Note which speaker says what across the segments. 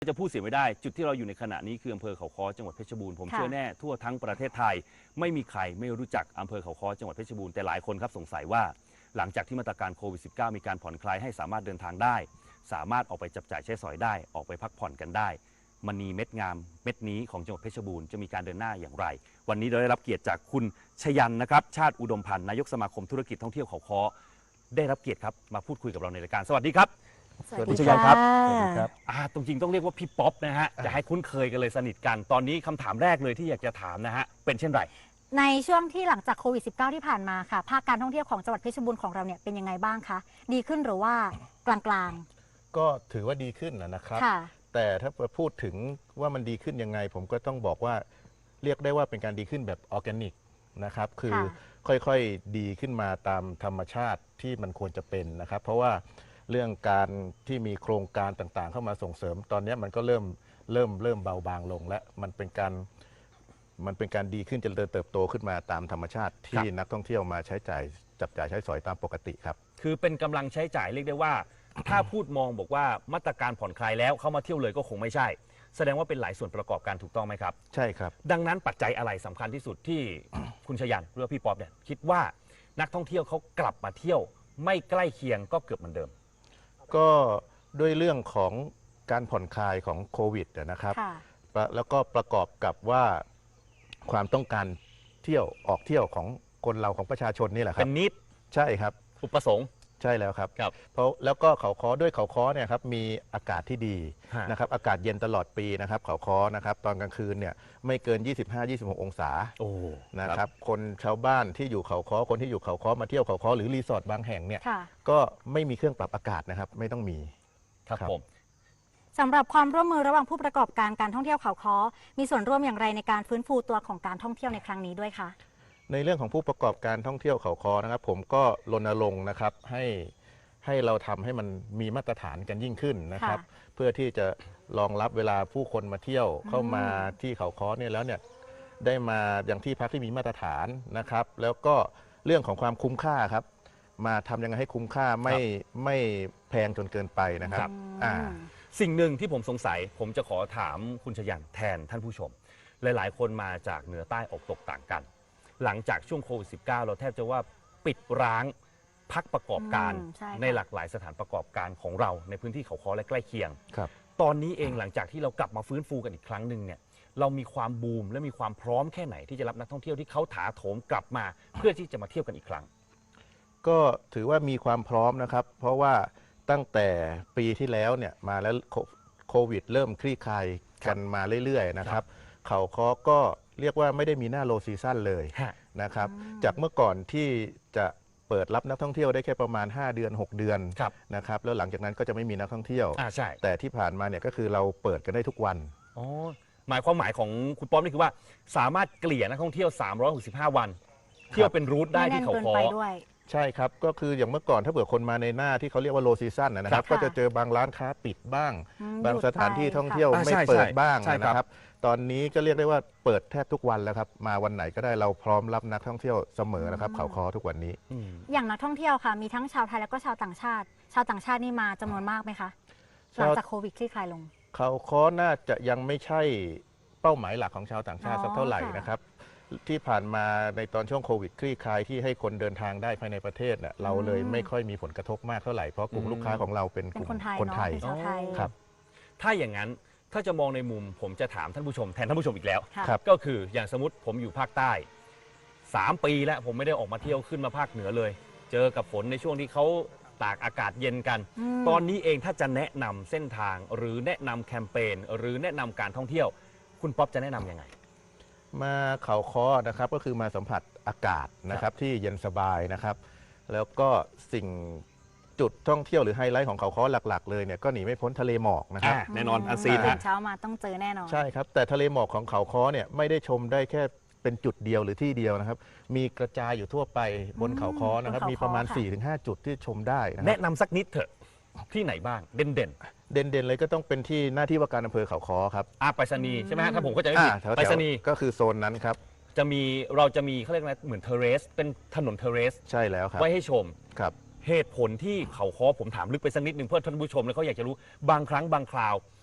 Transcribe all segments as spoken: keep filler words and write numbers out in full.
Speaker 1: จะพูดเสียไม่ได้จุดที่เราอยู่ในขณะนี้คืออำเภอเขาค้อจังหวัดเพชรบูรณ์ผมเชื่อแน่ทั่วทั้งประเทศไทยไม่มีใครไม่รู้จักอำเภอเขาค้อจังหวัดเพชรบูรณ์แต่หลายคนครับสงสัยว่าหลังจากที่มาตรการโควิด สิบเก้า มีการผ่อนคลายให้สามารถเดินทางได้สามารถออกไปจับจ่ายใช้สอยได้ออกไปพักผ่อนกันได้มณีเม็ดงามเม็ดนี้ของจังหวัดเพชรบูรณ์จะมีการเดินหน้าอย่างไรวันนี้เราได้รับเกียรติจากคุณชยันนะครับชาติอุดมพันธ์นายกสมาคมธุรกิจท่องเที่ยวเขาค้อได้รับเกียรติครับมาพูดคุยกับเราในรายการสวัสดีครับคุณชยันครับสวัสดีครับอ่าตรงจริงต้องเรียกว่าพี่ป๊อปนะฮะจะให้คุ้นเคยกันเลยสนิทกันตอนนี้คำถามแรกเลยที่อยากจะถามนะฮะเป็นเช่นไร
Speaker 2: ในช่วงที่หลังจากโควิด สิบเก้า ที่ผ่านมาค่ะภาคการท่องเที่ยวของจังหวัดเพชรบูรณ์ของเราเนี่ยเป็นยังไงบ้างคะดีขึ้นหรือว่ากลาง
Speaker 3: ๆก็ถือว่าดีขึ้นนะครับแต่ถ้าพูดถึงว่ามันดีขึ้นยังไงผมก็ต้องบอกว่าเรียกได้ว่าเป็นการดีขึ้นแบบออร์แกนิกนะครับคือค่อยๆดีขึ้นมาตามธรรมชาติที่มันควรจะเป็นนะครับเพราะว่าเรื่องการที่มีโครงการต่างๆเข้ามาส่งเสริมตอนนี้มันก็เริ่มเริ่มเริ่มเบาบางลงและมันเป็นการมันเป็นการดีขึ้นเจริญเติบโตขึ้นมาตามธรรมชาติที่นักท่องเที่ยวมาใช้จ่ายจับจ่ายใช้สอยตามปกติครับ
Speaker 1: คือเป็นกำลังใช้จ่ายเรียกได้ว่าถ้าพูดมองบอกว่ามาตรการผ่อนคลายแล้วเข้ามาเที่ยวเลยก็คงไม่ใช่แสดงว่าเป็นหลายส่วนประกอบการถูกต้องไหมครับ
Speaker 3: ใช่ครับ
Speaker 1: ดังนั้นปัจจัยอะไรสำคัญที่สุดที่คุณชยันหรือพี่ป๊อปเนี่ยคิดว่านักท่องเที่ยวเขากลับมาเที่ยวไม่ใกล้เคียงก็เกือบเหมือนเดิม
Speaker 3: ก็ด้วยเรื่องของการผ่อนคลายของโควิดนะครับแล้วก็ประกอบกับว่าความต้องการเที่ยวออกเที่ยวของคนเราของประชาชนนี่แหละครับ
Speaker 1: เป็นนิด
Speaker 3: ใช่ครับ
Speaker 1: อุปสงค์
Speaker 3: ใช่แล้วครับเพราะแล้วก็เขาค้อด้วยเขาค้อเนี่ยครับมีอากาศที่ดีนะครับอากาศเย็นตลอดปีนะครับเขาค้อนะครับตอนกลางคืนเนี่ยไม่เกิน ยี่สิบห้า ยี่สิบหก องศานะครับคนชาวบ้านที่อยู่เขาค้อคนที่อยู่เขาค้อมาเที่ยวเขาค้อหรือรีสอร์ทบางแห่งเนี่ยก็ไม่มีเครื่องปรับอากาศนะครับไม่ต้องมี
Speaker 1: ครับผม
Speaker 2: สำหรับความร่วมมือระหว่างผู้ประกอบการการท่องเที่ยวเขาค้อมีส่วนร่วมอย่างไรในการฟื้นฟูตัวของการท่องเที่ยวในครั้งนี้ด้วยคะ
Speaker 3: ในเรื่องของผู้ประกอบการท่องเที่ยวเขาค้อนะครับผมก็รณรงค์นะครับให้ให้เราทำให้มันมีมาตรฐานกันยิ่งขึ้นนะครับเพื่อที่จะรองรับเวลาผู้คนมาเที่ยวเข้ามาที่เขาค้อเนี่ยแล้วเนี่ยได้มาอย่างที่พักที่มีมาตรฐานนะครับแล้วก็เรื่องของความคุ้มค่าครับมาทำยังไงให้คุ้มค่าไม่ไม่แพงจนเกินไปนะครับอ่า
Speaker 1: สิ่งหนึ่งที่ผมสงสัยผมจะขอถามคุณชยันแทนท่านผู้ชมหลายๆคนมาจากเหนือใต้ออกตกต่างกันหลังจากช่วงโควิด สิบเก้า เราแทบจะว่าปิดร้างพักประกอบการในหลากหลายสถานประกอบการของเราในพื้นที่เขาค้อและใกล้เคียงตอนนี้เองหลังจากที่เรากลับมาฟื้นฟูกันอีกครั้งหนึ่งเนี่ยเรามีความบูมและมีความพร้อมแค่ไหนที่จะรับนักท่องเที่ยวที่เขาถาโถมกลับมาเพื่อที่จะมาเที่ยวกันอีกครั้ง
Speaker 3: ก็ถือว่ามีความพร้อมนะครับเพราะว่าตั้งแต่ปีที่แล้วเนี่ยมาแล้วโควิดเริ่มคลี่คลายกันมาเรื่อยๆนะครับเขาค้อก็เรียกว่าไม่ได้มีหน้าโลซีซั่นเลยนะครับจากเมื่อก่อนที่จะเปิดรับนักท่องเที่ยวได้แค่ประมาณห้าเดือนหกเดือนนะครับแล้วหลังจากนั้นก็จะไม่มีนักท่องเที่ยวแต่ที่ผ่านมาเนี่ยก็คือเราเปิดกันได้ทุกวัน
Speaker 1: อ๋อหมายความหมายของคุณป๊อปนี่คือว่าสามารถเกลี่ยนักท่องเที่ยวสามร้อยหกสิบห้าวันเที่ยวเป็นรูทได้ที่เขาค้อ
Speaker 3: ใช่ครับก็คืออย่างเมื่อก่อนถ้าเผื่อคนมาในหน้าที่เขาเรียกว่าโลซีซั่นนะครับก็จะเจอบางร้านค้าปิดบ้างบางสถานที่ท่องเที่ยวไม่เปิดบ้างนะครับตอนนี้ก็เรียกได้ว่าเปิดแทบทุกวันแล้วครับมาวันไหนก็ได้เราพร้อมรับนักท่องเที่ยวเสมอนะครับเขาค้อทุกวันนี้
Speaker 2: อย่างนักท่องเที่ยวค่ะมีทั้งชาวไทยแล้วก็ชาวต่างชาติชาวต่างชาตินี่มาจำนวนมากไหมคะหลังจากโควิดคลี่คลายลง
Speaker 3: เขาค้อน่าจะยังไม่ใช่เป้าหมายหลักของชาวต่างชาติสักเท่าไหร่นะครับที่ผ่านมาในตอนช่วงโควิดคลี่คลายที่ให้คนเดินทางได้ภายในประเทศเนี่ยเราเลยไม่ค่อยมีผลกระทบมากเท่าไหร่เพราะกลุ่มลูกค้าของเราเป็นกลุ่มคนไทย
Speaker 1: ครับถ้าอย่างนั้นถ้าจะมองในมุมผมจะถามท่านผู้ชมแทนท่านผู้ชมอีกแล้วก็คืออย่างสมมติผมอยู่ภาคใต้สามปีแล้วผมไม่ได้ออกมาเที่ยวขึ้นมาภาคเหนือเลยเจอกับฝนในช่วงที่เขาตากอากาศเย็นกันตอนนี้เองถ้าจะแนะนำเส้นทางหรือแนะนำแคมเปญหรือแนะนำการท่องเที่ยวคุณป๊อปจะแนะนํำยังไง
Speaker 3: มาเขาค้อนะครับก็คือมาสัมผัสอากาศนะครับที่เย็นสบายนะครับแล้วก็สิ่งจุดท่องเที่ยวหรือไฮไลท์ของเขาค้อหลักๆเลยเนี่ยก็หนีไม่พ้นทะเลหมอกนะครับ
Speaker 1: แน่นอนอันซีน
Speaker 2: เช้ามาต้องเจอแน่นอน
Speaker 3: ใช่ครับแต่ทะเลหมอกของเขาค้อเนี่ยไม่ได้ชมได้แค่เป็นจุดเดียวหรือที่เดียวนะครับมีกระจายอยู่ทั่วไปบนเขาค้อนะครับมีประมาณ สี่ถึงห้า จุดที่ชมได้
Speaker 1: แนะนำสักนิดเถอะที่ไหนบ้างเด่นเด่น
Speaker 3: เด่นเด่นเลยก็ต้องเป็นที่หน้าที่ว่าการอำเภอเขาค้อครับ
Speaker 1: อาไปรษณีย์ใช่ไหมฮะถ้าผมก็จะไม่ผิดไปรษณีย์
Speaker 3: ก็คือโซนนั้นครับ
Speaker 1: จะมีเราจะมีเขาเรียกอะไรเหมือนเทเรสเป็นถนนเทเรส
Speaker 3: ใช่แล้วครับ
Speaker 1: ไว้ให้ชม
Speaker 3: ครับ
Speaker 1: เหตุผลที่เขาค้อผมถามลึกไปสักนิดหนึ่งเพื่อท่านผู้ชมแล้วเขาอยากจะรู้บางครั้งบางคราว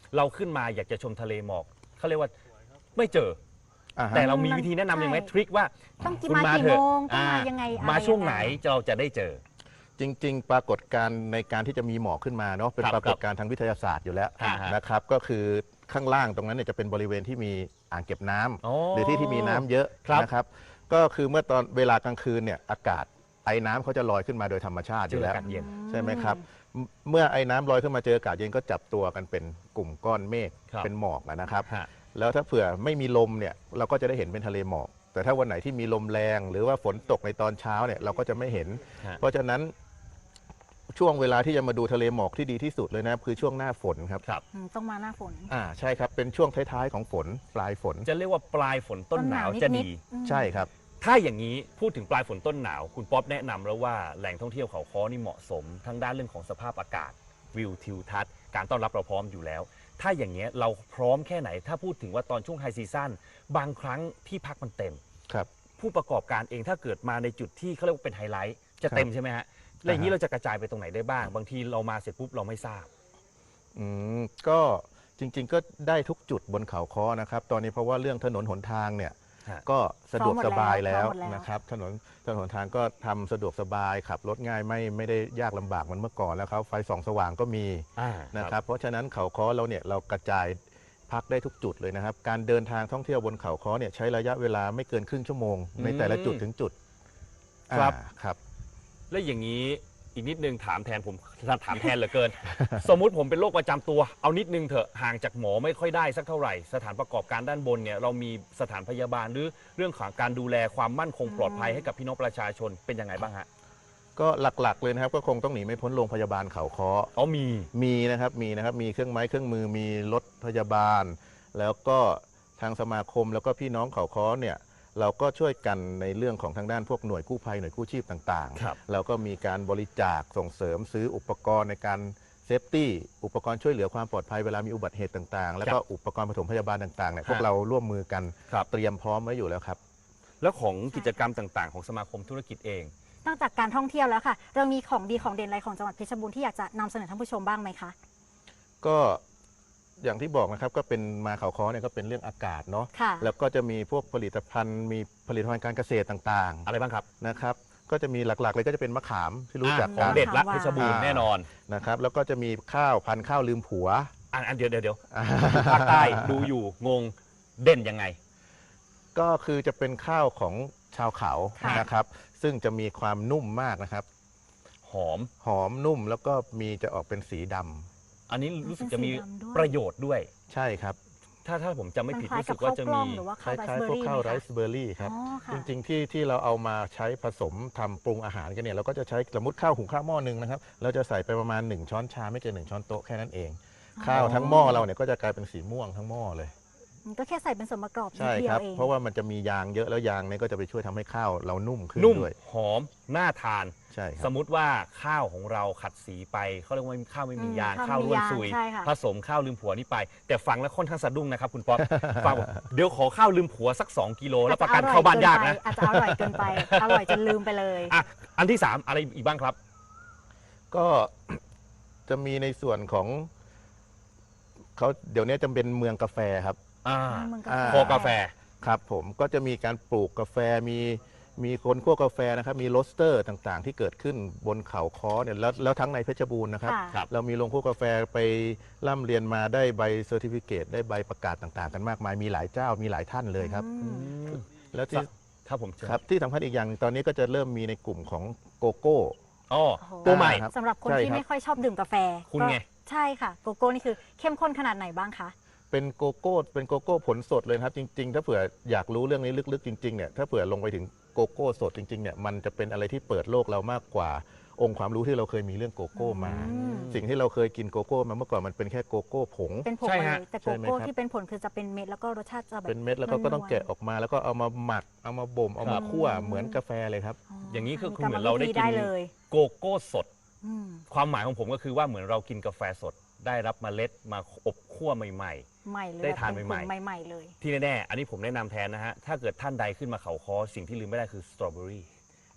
Speaker 1: เราขึ้นมาอยากจะชมทะเลหมอกเขาเรียกว่าไม่เจอ
Speaker 3: อ่าฮะ
Speaker 1: แต่เรามีวิธีแนะนำยังไงทริคว่า
Speaker 2: ต้องกี่
Speaker 1: คุณ
Speaker 2: มา
Speaker 1: มา
Speaker 2: กี่
Speaker 1: เถ
Speaker 2: โม
Speaker 1: อะ
Speaker 2: งต้องมา
Speaker 1: อ่า
Speaker 2: ยังไงอะไร
Speaker 1: มาช่วงไหน
Speaker 2: ยั
Speaker 1: เราจะได้เจอ
Speaker 3: จริง ๆ ปรากฏการณ์ในการที่จะมีหมอกขึ้นมาเนาะเป็น
Speaker 1: ครับ
Speaker 3: ปรากฏการณ์ทางวิทยาศาสตร์อยู่แล้ว
Speaker 1: อ่าฮะ
Speaker 3: นะครับก็คือข้างล่างตรงนั้นเนี่ยจะเป็นบริเวณที่มีอ่างเก็บน้ำ
Speaker 1: อ๋อ
Speaker 3: หรือที่ที่มีน้ำเยอะ
Speaker 1: ครับ
Speaker 3: นะครับก็คือเมื่อตอนเวลากลางคืนเนี่ยอากาศไอ้น้ำเขาจะลอยขึ้นมาโดยธรรมชาติอ
Speaker 1: เจอยู่
Speaker 3: แล้ว
Speaker 1: อากาศเย็น
Speaker 3: ใช่ไหมครับเมื่อเมื่อไอ้น้ำลอยขึ้นมาเจออากาศเย็นก็จับตัวกันเป็นกลุ่มก้อนเมฆ
Speaker 1: ครับ
Speaker 3: เป็นหมอกอะนะครับ
Speaker 1: ฮะ
Speaker 3: แล้วถ้าเผื่อไม่มีลมเนี่ยเราก็จะได้เห็นเป็นทะเลหมอก แต่ถ้าวันไหนที่มีลมแรง หรือว่าฝนตกในตอนเช้าเนี่ยเราก็จะไม่เห็น
Speaker 1: ฮะ
Speaker 3: เพราะฉะนั้นช่วงเวลาที่จะมาดูทะเลหมอกที่ดีที่สุดเลยนะคือช่วงหน้าฝนครับ
Speaker 1: ครับ
Speaker 2: อืมต้องมาหน้าฝน
Speaker 3: อ่าใช่ครับเป็นช่วงท้ายๆของฝนปลายฝน
Speaker 1: จะเรียกว่าปลายฝนต้นหนาวจะดี
Speaker 2: อืม
Speaker 3: ใช่ครับ
Speaker 1: ถ้าอย่างนี้พูดถึงปลายฝนต้นหนาว คุณป๊อปแนะนำแล้วว่าแหล่งท่องเที่ยวเขาค้อนี่เหมาะสม ทั้งด้านเรื่องของสภาพอากาศวิวทิวทัศน์การต้อนรับเราพร้อมอยู่แล้ว ถ้าอย่างเงี้ยเราพร้อมแค่ไหน ถ้าพูดถึงว่าตอนช่วงไฮซีซั่นบางครั้งที่พักมันเต็ม
Speaker 3: ครับ
Speaker 1: ผู้ประกอบการเองถ้าเกิดมาในจุดที่เขาเรียกว่าเป็นไฮไลท์จะเต็มใช่ไหมฮะแล้วอย่างนี้
Speaker 3: อ่าฮะ
Speaker 1: เราจะกระจายไปตรงไหนได้บ้าง บางทีเรามาเสร็จปุ๊บเราไม่ทราบ
Speaker 3: อืมก็จริงๆก็ได้ทุกจุดบนเขาค้อนะครับ ตอนนี้เพราะว่าเรื่องถนนหนทางเนี่ย
Speaker 1: ฮะ
Speaker 3: ก็สะดวกสบายแล้ว
Speaker 2: พร้อมหมดแล้ว
Speaker 3: นะครับถนนถนนหนทางก็ทำสะดวกสบายขับรถง่ายไม่ไม่ได้ยากลำบากเหมือนเมื่อก่อนแล้วครับไฟส่องสว่างก็มี
Speaker 1: อ่า
Speaker 3: นะครับเพราะฉะนั้นเขาค้อเราเนี่ยเรากระจายพักได้ทุกจุดเลยนะครับ การเดินทางท่องเที่ยวบนเขาค้อเนี่ยใช้ระยะเวลาไม่เกินครึ่งชั่วโมง ในแต่ละจุดถึงจุด
Speaker 1: ครับ
Speaker 3: อ่าครับ
Speaker 1: และอย่างนี้อีกนิดนึงถามแทนผมถามแทนเหลือเกิน สมมุติผมเป็นโรคประจำตัว เอานิดนึงเถอะห่างจากหมอไม่ค่อยได้สักเท่าไหร่ สถานประกอบการด้านบนเนี่ยเรามีสถานพยาบาลหรือเรื่องของการดูแลความมั่นคงปลอดภัยให้กับพี่น้องประชาชนเป็นยังไงบ้างฮะ
Speaker 3: ก็หลักๆเลยนะครับก็คงต้องหนีไม่พ้นโรงพยาบาลเขาค้อ
Speaker 1: อ๋อมี
Speaker 3: มีนะครับมีนะครับมีเครื่องไม้เครื่องมือมีรถพยาบาล แล้วก็ทางสมาคมแล้วก็พี่น้องเขาค้อเนี่ยเราก็ช่วยกันในเรื่องของทางด้านพวกหน่วยกู้ภัยหน่วยกู้ชีพต่าง
Speaker 1: ครับ
Speaker 3: ๆเราก็มีการบริจาคส่งเสริมซื้ออุปกรณ์ในการเซฟตี้อุปกรณ์ช่วยเหลือความปลอดภัยเวลามีอุบัติเหตุต่างๆ แล้วก็อุปกรณ์ปฐมพยาบาลต่างๆเนี่ยพวกเราร่วมมือกัน
Speaker 1: ครับ
Speaker 3: เตรียมพร้อมไว้อยู่แล้วครับ
Speaker 1: แล้วของกิจกรรมต่างๆ ของสมาคมธุรกิจเอง
Speaker 2: นอกจากการท่องเที่ยวแล้วค่ะ เรามีของดีของเด่นอะไรของจังหวัดเพชรบูรณ์ที่อยากจะนำเสนอท่านผู้ชมบ้างไหมคะ
Speaker 3: ก็อย่างที่บอกนะครับก็เป็นมาเขาค้อเนี่ยก็เป็นเรื่องอากาศเนาะ
Speaker 2: ค่ะ
Speaker 3: แล้วก็จะมีพวกผลิตภัณฑ์ มีผลิตภัณฑ์การเกษตรต่าง
Speaker 1: อะไรบ้างครับ
Speaker 3: ๆนะครับ ก็จะมีหลักๆเลยก็จะเป็นมะขามที่รู้จัก
Speaker 1: ข
Speaker 3: กั
Speaker 1: อง
Speaker 3: น
Speaker 1: เด็ดละ
Speaker 2: มะขามหวาน
Speaker 1: เพชรบูรณ์แน่นอน
Speaker 3: นะครับ แล้วก็จะมีข้าวพันธุ์ข้าวลืมผัว
Speaker 1: อันอันเดียวเดี๋ยวเดี๋ยวภาคใต้ดูอยู่งงเด่นยังไง
Speaker 3: ก็คือจะเป็นข้าวของชาวเขา
Speaker 2: ค่ะ
Speaker 3: นะครับ ซึ่งจะมีความนุ่มมากนะครับ
Speaker 1: หอม
Speaker 3: หอมนุ่มแล้วก็มีจะออกเป็นสีดำ
Speaker 1: อันนี้รู้สึกจะมี
Speaker 2: เป็นสีดำด้วย
Speaker 1: ประโยชน์ด้วย
Speaker 3: ใช่ครับ
Speaker 1: ถ้าถ้าผมจำไม่ผิด
Speaker 2: คล้าย
Speaker 1: รู้
Speaker 2: ๆ
Speaker 1: สึกว่าจะ
Speaker 2: บข้าวกล้
Speaker 1: มี
Speaker 2: องหรือว่า
Speaker 3: ค
Speaker 2: ข้าวไร
Speaker 3: ล้าย
Speaker 2: ซ์
Speaker 3: ๆ
Speaker 2: เบอ
Speaker 3: พว
Speaker 2: ร์
Speaker 3: ก
Speaker 2: รี่
Speaker 3: ข้าว
Speaker 2: ไหม
Speaker 3: ไร
Speaker 2: คะ
Speaker 3: ซ์เบอร์รี่ครับ
Speaker 2: อ๋อค่ะ
Speaker 3: จริงๆที่ที่เราเอามาใช้ผสมทำปรุงอาหารกันเนี่ยเราก็จะใช้สมมติข้าวหุงข้าวหม้อหนึ่งนะครับ เราจะใส่ไปประมาณหนึ่งช้อนชาไม่เกินหนึ่งช้อนโต๊ะแค่นั้นเอง ข้าวทั้งหม้อเราเนี่ยก็จะกลายเป็นสีม่วงทั้งหม้อเลย
Speaker 2: ก็แค่ใส่เป็นส่วนประกอบนิ
Speaker 3: ใช่
Speaker 2: ดเดีย
Speaker 3: ครั
Speaker 2: ว
Speaker 3: บ
Speaker 2: เอง
Speaker 3: เพราะว่ามันจะมียางเยอะแล้วยางเนี่ยก็จะไปช่วยทำให้ข้าวเรานุ่มขึ้น
Speaker 1: นุ่ม
Speaker 3: ด้วย
Speaker 1: หอมน่าทาน
Speaker 3: ใช่ค
Speaker 1: ส
Speaker 3: รับ
Speaker 1: มมุติว่าข้าวของเราขัดสีไปเขาเรียกว่าข้าวไม่มียาง
Speaker 2: อืม
Speaker 1: ข้าวร่วนซุย
Speaker 2: ใช่ค่ะ
Speaker 1: ผสมข้าวลืมผัวนี่ไป แต่ฟังแล้วค่อนข้างสะดุ้งนะครับคุณป๊อป ฟังบอกเดี๋ยวขอข้าวลืมผัวสัก สองกิโลแล้วประกันเข้าบ้านยากนะ
Speaker 2: อาจจะอร่อยเกินไป อร่อยจนลืมไปเลย
Speaker 1: อ่ะอันที่สามอะไรอีกบ้างครับ
Speaker 3: ก็ จะมีในส่วนของเขาเดี๋ยวนี้จะเป็นเมืองกาแฟครับ
Speaker 1: อ่า
Speaker 2: เมืองกา
Speaker 3: อ่า
Speaker 2: แฟ
Speaker 1: คอกาแฟ
Speaker 3: ครับผมก็จะมีการปลูกกาแฟมีมีคนคั่วกาแฟนะครับ มีโรสเตอร์ต่างๆ ที่เกิดขึ้นบนเขาค้อเนี่ยแล้วแล้วทั้งในเพชรบูรณ์นะครับ
Speaker 2: ค่ะ
Speaker 1: ครับ
Speaker 3: เรามีโรงคั่วกาแฟไปร่ำเรียนมาได้ใบเซอร์ติฟิเคตได้ใบประกาศต่างๆ กันมากมายมีหลายเจ้ามีหลายท่านเลยครับ
Speaker 2: อืม
Speaker 3: แล้วที่
Speaker 1: ครับผมเชิญ
Speaker 3: ครับที่สำคัญอีกอย่างหนึ่งตอนนี้ก็จะเริ่มมีในกลุ่มของโกโก้
Speaker 1: อ๋อ
Speaker 2: โอ้โห
Speaker 1: ตัวใหม่
Speaker 3: ครับ
Speaker 2: สำหรับคน
Speaker 3: ใช่
Speaker 2: ที่
Speaker 3: ครับ
Speaker 2: ไม่ค่อยชอบดื่มกาแฟ
Speaker 1: คุณไง
Speaker 2: ก็ใช่ค่ะ โกโก้นี่คือเข้มข้นขนาดไหนบ้างคะ
Speaker 3: เป็นโกโก้เป็นโกโก้ผลสดเลยนะครับ จริง ๆ ถ้าเผื่ออยากรู้เรื่องนี้ลึกๆจริงๆเนี่ยถ้าเผื่อลงไปถึงโกโก้สดจริงๆเนี่ยมันจะเป็นอะไรที่เปิดโลกเรามากกว่าองค์ความรู้ที่เราเคยมีเรื่องโกโก้มา
Speaker 2: อืม
Speaker 3: สิ่งที่เราเคยกินโกโก้มาเมื่อก่อนมันเป็นแค่โกโก้ผง
Speaker 2: เป็นผง
Speaker 1: ใช่
Speaker 2: มาเล
Speaker 1: ฮะ
Speaker 2: ยแต่
Speaker 3: ใช่
Speaker 2: โก
Speaker 3: ไหม
Speaker 2: โก้
Speaker 3: ครับ
Speaker 2: ที่เป็นผลคือจะเป็นเม็ดแล้วก็รสชาติจะแบบ
Speaker 3: เป็นเม็ดแล้วก็ก็ต้องแกะออกมา แล้วก็เอามาหมักเอามาบ่มเอามาคั่วเหมือนกาแฟเลยครับ
Speaker 1: อย่างนี้คือ
Speaker 2: มี
Speaker 1: คือเหมือนเราได้กิน
Speaker 2: ได้เลย
Speaker 1: โกโก้สด
Speaker 2: อืม
Speaker 1: ความหมายของผมก็คือว่าเหมือนเรากินกาแฟสด ได้รับเมล็ดมาอบคั่วใหม่
Speaker 2: ใหม่เลย
Speaker 1: ได้ทาน
Speaker 2: แบบ
Speaker 1: ใหม่ๆ
Speaker 2: ผงใหม่ๆเลย
Speaker 1: ๆ ที่แน่ๆ อันนี้ผมแนะนำแทนนะฮะ ถ้าเกิดท่านใดขึ้นมาเขาคอสิ่งที่ลืมไม่ได้คือสตรอเบอรี่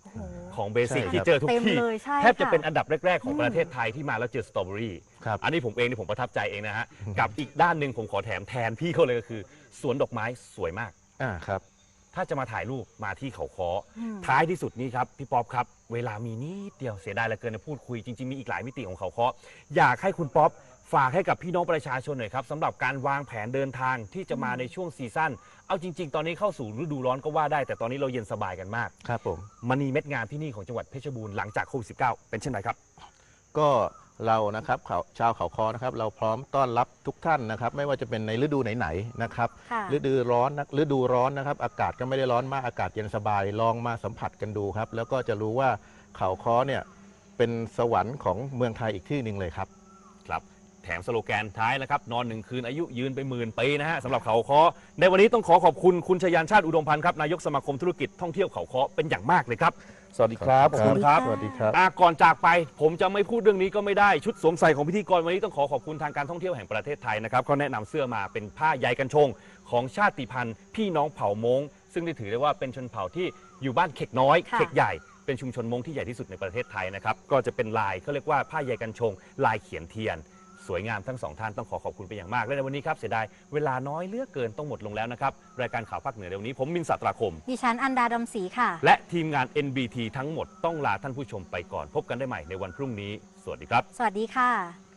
Speaker 2: โอ้โห
Speaker 1: ของเบสิก
Speaker 3: ใช่
Speaker 1: ที่เจอทุก
Speaker 2: เต็ม
Speaker 1: ที่
Speaker 2: เลยใช่
Speaker 1: แทบจะ
Speaker 2: ค่
Speaker 1: เป็นอันดับแรก ๆ ของ
Speaker 2: อืม
Speaker 1: ประเทศไทยที่มาแล้วเจอสตรอเบอรี่
Speaker 3: ครับ
Speaker 1: อันนี้ผมเองนี่ผมประทับใจเองนะฮะ กับอีกด้านหนึ่งผมขอแถมแทนพี่เขาเลยก็คือ สวนดอกไม้สวยมาก
Speaker 3: อ่าครับ
Speaker 1: ถ้าจะมาถ่ายรูปมาที่เขาค้ออ
Speaker 2: อืม
Speaker 1: ท้ายที่สุดนี้ครับพี่ป๊อปครับ เวลามีนิดเดียวเสียดายเหลือเกินนะพูดคุยจริงๆมีอีกหลายมิติของเขาค้ออยากให้คุณป๊อปฝากให้กับพี่น้องประชาชนหน่อยครับสำหรับการวางแผนเดินทางที่จะมาในช่วงซีซั่นเอาจริง ๆ ตอนนี้เข้าสู่ฤดูร้อนก็ว่าได้แต่ตอนนี้เราเย็นสบายกันมาก
Speaker 3: ครับผม
Speaker 1: มณีเม็ดงามที่นี่ของจังหวัดเพชรบูรณ์หลังจากโควิด สิบเก้า เป็นเช่นไรครับ
Speaker 3: ก็เรานะครับเขาชาวเขาคอนะครับเราพร้อมต้อนรับทุกท่านนะครับไม่ว่าจะเป็นในฤดูไหนๆนะครับ
Speaker 2: ค่ะ
Speaker 3: ฤดูร้อนนะฤดูร้อนนะครับอากาศก็ไม่ได้ร้อนมากอากาศเย็นสบายลองมาสัมผัสกันดูครับแล้วก็จะรู้ว่าเขาคอเนี่ยเป็นสวรรค์ของเมืองไทยอีกที่หนึ่งเลยครับ
Speaker 1: ครับแถมสโลแกนท้ายนะครับนอนหนึ่งคืนอายุยืนไปหมื่นปีนะฮะสำหรับเขาค้อในวันนี้ต้องขอขอบคุณคุณชยานชาติอุดมพันธ์ครับนายกสมาคมธุรกิจท่องเที่ยวเขาค้อเป็นอย่างมากเลยครับสวัสดีครับขอบคุณครับ
Speaker 3: สวัสดีครับ
Speaker 1: อ่ะก่อนจากไปผมจะไม่พูดเรื่องนี้ก็ไม่ได้ชุดสวมใส่ของพิธีกรวันนี้ต้องขอขอบคุณทางการท่องเที่ยวแห่งประเทศไทยนะครับเขาแนะนำเสื้อมาเป็นผ้าใยกันชงของชาติพันธุ์พี่น้องเผ่ามงซึ่งได้ถือได้ว่าเป็นชนเผ่าที่อยู่บ้านเข็กน้อย
Speaker 2: ค่ะ
Speaker 1: เข็กใหญ่เป็นชุมชนมงที่ใหญ่ที่สุดในประเทศไทยนะครับก็จะเป็นลายเขาเรียกว่าผ้าใยกันชง ลายเขียนเทียน สวยงามทั้งสองท่านต้องขอขอบคุณเป็นอย่างมากและในวันนี้ครับเสียดายเวลาน้อยเหลือกเกินต้องหมดลงแล้วนะครับรายการข่าวภาคเหนือในวันนี้ผมมินสัตราคม
Speaker 2: ดิฉันอันดาดำศรีค่ะ
Speaker 1: และทีมงาน เอ็น บี ที ทั้งหมดต้องลาท่านผู้ชมไปก่อนพบกันได้ใหม่ในวันพรุ่งนี้ สวัสดีครับ
Speaker 2: สวัสดีค่ะ